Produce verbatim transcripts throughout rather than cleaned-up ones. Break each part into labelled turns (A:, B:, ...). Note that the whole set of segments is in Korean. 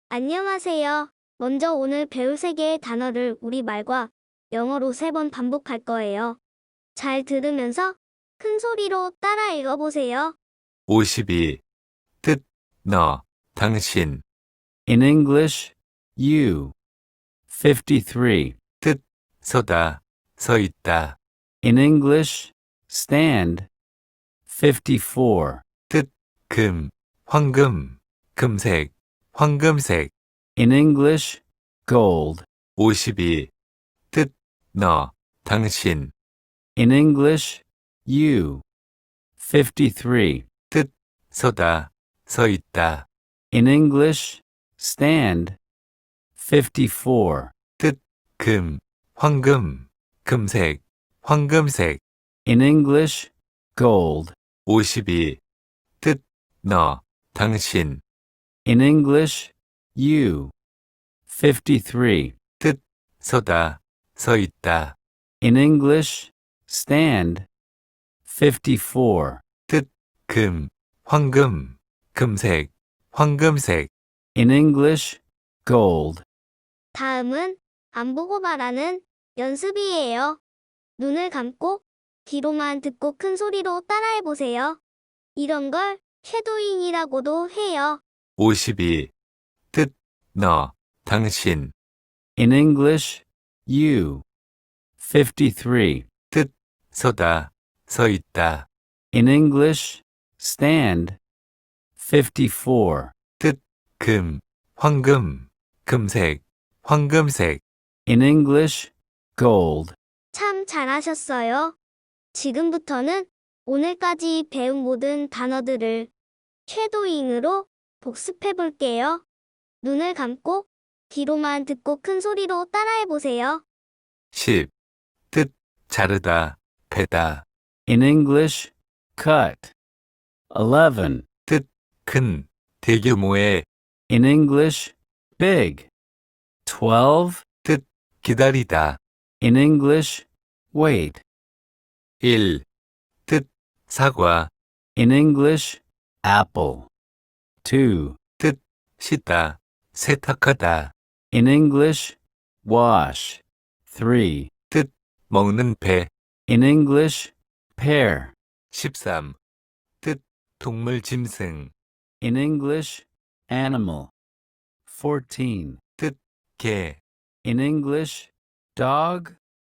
A: 안녕하세요. 먼저 오늘 배울 세 개의 단어를 우리말과 영어로 세 번 반복할 거예요. 잘 들으면서 큰 소리로 따라 읽어보세요.
B: 오십이. 뜻, 너, 당신.
C: In English, you. fifty-three.
B: 뜻, 서다, 서 있다.
C: In English, stand. fifty-four.
B: 뜻, 금, 황금, 금색, 황금색.
C: In English, gold.
B: 오십이. 뜻, 너, 당신.
C: In English, you. fifty-three.
B: 뜻, 서다, 서 있다.
C: In English, stand. fifty-four.
B: 뜻, 금, 황금, 금색, 황금색.
C: In English, gold.
B: 오십이. 뜻, 너, 당신.
C: In English, you. fifty-three.
B: 뜻, 서다, 서 있다.
C: In English, stand. fifty-four.
B: 뜻, 금, 황금, 금색, 황금색.
C: In English, gold.
A: 다음은 안 보고 말하는 연습이에요. 눈을 감고 귀로만 듣고 큰 소리로 따라해보세요. 이런 걸 쉐도잉이라고도 해요.
B: 오십이. 뜻, 너, 당신.
C: In English, you. fifty-three.
B: 뜻, 서다, 서 있다.
C: In English, stand. fifty-four.
B: 뜻, 금, 황금, 금색, 황금색.
C: In English, gold.
A: 참 잘하셨어요. 지금부터는 오늘까지 배운 모든 단어들을 쉐도잉으로 복습해 볼게요. 눈을 감고 귀로만 듣고 큰 소리로 따라해 보세요.
B: 십. 뜻, 자르다, 베다.
C: In English, cut. eleven.
B: 뜻, 큰, 대규모의.
C: In English, big. twelve.
B: 뜻, 기다리다.
C: In English, wait.
B: 일. 뜻, 사과.
C: In English, apple. two.
B: 뜻, 씻다, 세탁하다.
C: In English, wash. three.
B: 뜻, 먹는 배.
C: In English, pear.
B: 십삼. 뜻, 동물 짐승.
C: In English, animal. fourteen.
B: 뜻, 개.
C: In English, dog.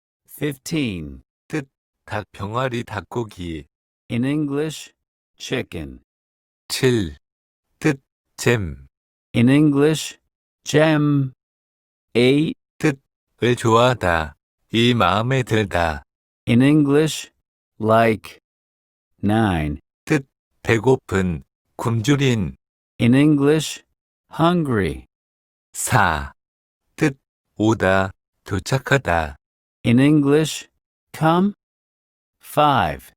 C: fifteen.
B: 뜻, 닭 병아리 닭고기.
C: In English, chicken.
B: 칠. 뜻, 잼.
C: In English, gem. eight.
B: 을 좋아하다. 이 마음에 들다.
C: In English, like. nine.
B: 배고픈, 굶주린.
C: In English, hungry.
B: 사. 뜻, 오다, 도착하다.
C: In English, come. five.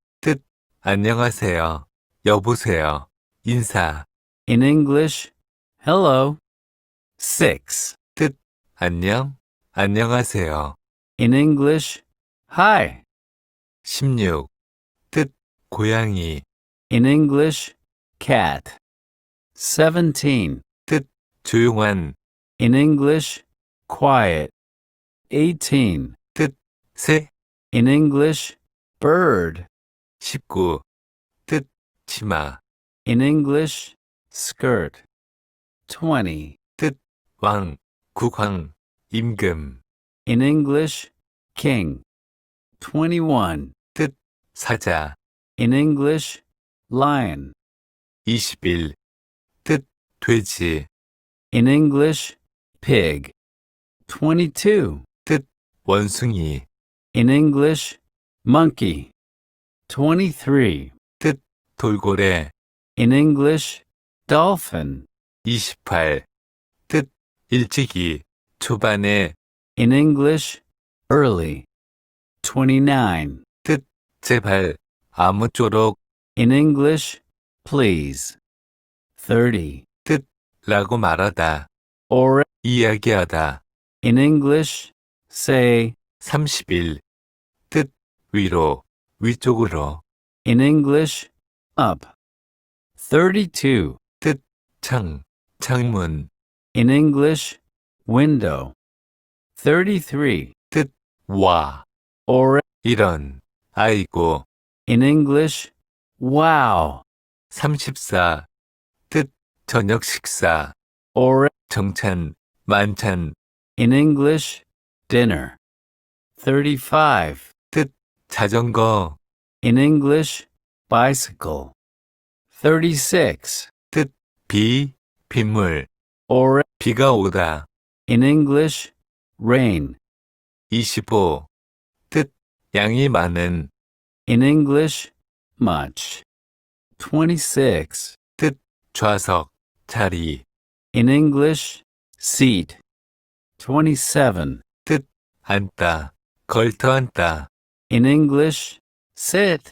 B: 안녕하세요. 여보세요. 인사.
C: In English, hello.
B: six. 뜻, 안녕, 안녕하세요.
C: In English, hi.
B: 십육. 뜻, 고양이.
C: In English, cat. seventeen.
B: 조용한.
C: In English, quiet. eighteen.
B: 새.
C: In English, bird.
B: 십구. 뜻, 치마.
C: In English, skirt. twenty.
B: 왕, 국왕, 임금.
C: In English, king. twenty-one.
B: 사자.
C: In English, lion.
B: 이십일. 뜻, 돼지.
C: In English, pig. twenty-two.
B: 원숭이.
C: In English, monkey. twenty-three.
B: 돌고래.
C: In English, dolphin.
B: 이십팔. 뜻, 일찍이, 초반에.
C: In English, early. twenty-nine.
B: 제발, 아무쪼록.
C: In English, please. thirty.
B: 라고 말하다.
C: Or,
B: 이야기하다.
C: in English, say.
B: 삼십일. 뜻, 위로, 위쪽으로.
C: In English, up. thirty-two.
B: 창, 창문.
C: In English, window. thirty-three.
B: 와,
C: Or
B: 이런, 아이고.
C: in English, wow.
B: 삼십사. 뜻, 저녁 식사.
C: Or
B: 정찬, 만찬.
C: in English, dinner. thirty-five.
B: 자전거.
C: In English, bicycle. thirty-six.
B: 비, 빗물.
C: Or
B: 비가 오다.
C: in English, rain.
B: 이십오. 뜻, 양이 많은.
C: In English, much. twenty-six.
B: 좌석, 자리.
C: In English, seat. twenty-seven.
B: 앉다, 걸터 앉다.
C: In English, sit.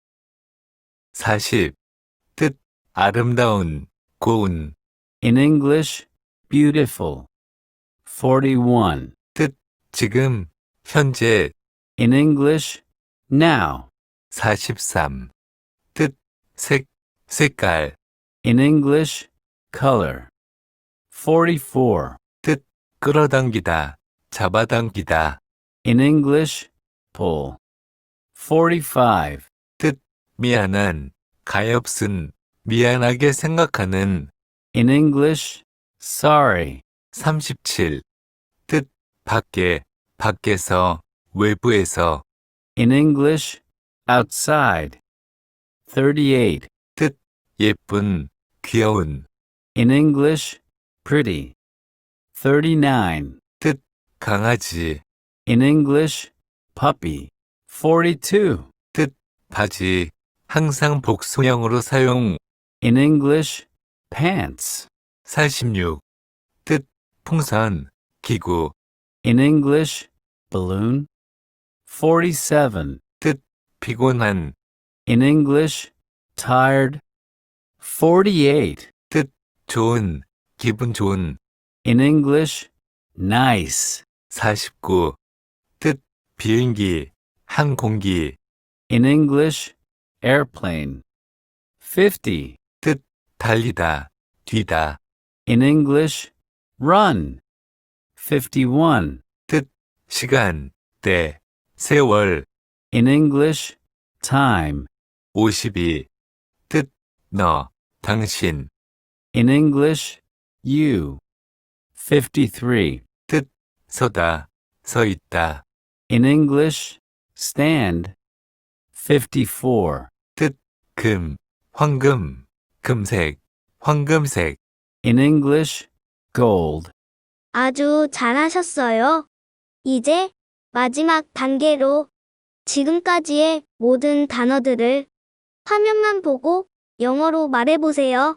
B: 사십. 뜻, 아름다운, 고운.
C: In English, beautiful. forty-one.
B: 지금, 현재.
C: In English, now.
B: 사십삼. 뜻, 색, 색깔.
C: In English, color. forty-four.
B: 끌어당기다, 잡아당기다.
C: In English, pull. forty-five.
B: 미안한, 가엾은, 미안하게 생각하는.
C: In English, sorry.
B: 삼십칠. 뜻, 밖에, 밖에서, 외부에서.
C: In English, outside. thirty-eight.
B: 예쁜, 귀여운.
C: In English, pretty. thirty-nine.
B: 강아지.
C: In English, puppy. forty-two.
B: 바지. 항상 복수형으로 사용.
C: In English, pants.
B: 사십육. 뜻, 풍선, 기구.
C: In English, balloon. forty-seven.
B: 피곤한.
C: In English, tired. forty-eight.
B: 좋은, 기분 좋은.
C: In English, nice.
B: 사십구. 뜻, 비행기, 항공기.
C: In English, airplane. fifty.
B: 달리다, 뛰다.
C: In English, run. fifty-one.
B: 시간, 때, 세월.
C: In English, time.
B: 오십이. 뜻, 너, 당신.
C: In English, you. fifty-three.
B: 서다, 서 있다.
C: In English, stand. fifty-four.
B: 금, 황금, 금색, 황금색.
C: In English, gold.
A: 아주 잘하셨어요. 이제 마지막 단계로 지금까지의 모든 단어들을 화면만 보고 영어로 말해보세요.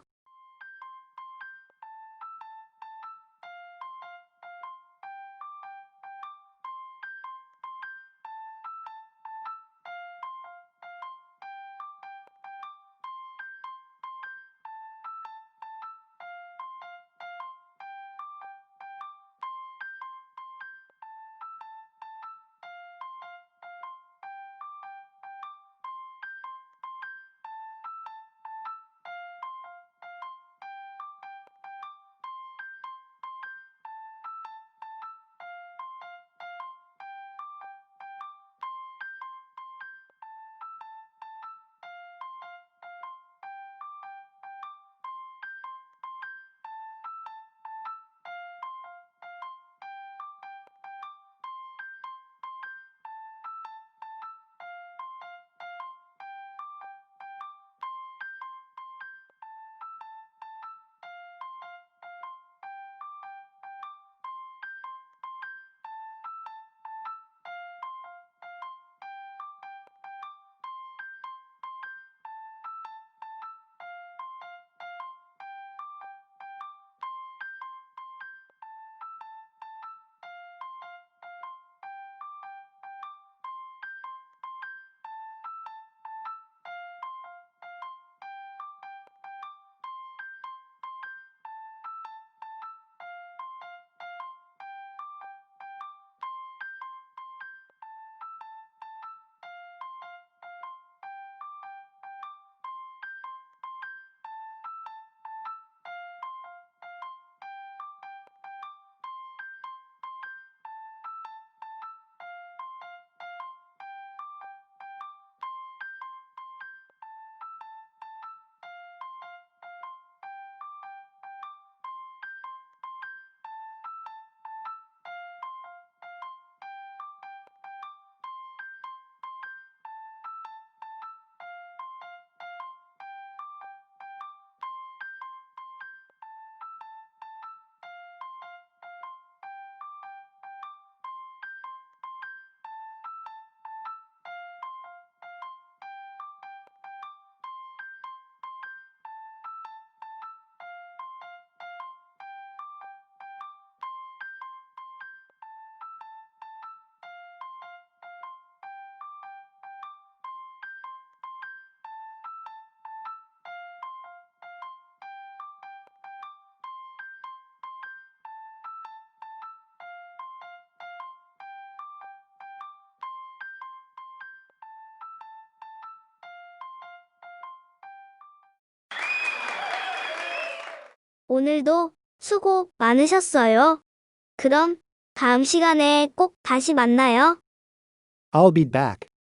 A: 오늘도 수고 많으셨어요. 그럼 다음 시간에 꼭 다시 만나요.
D: I'll be back.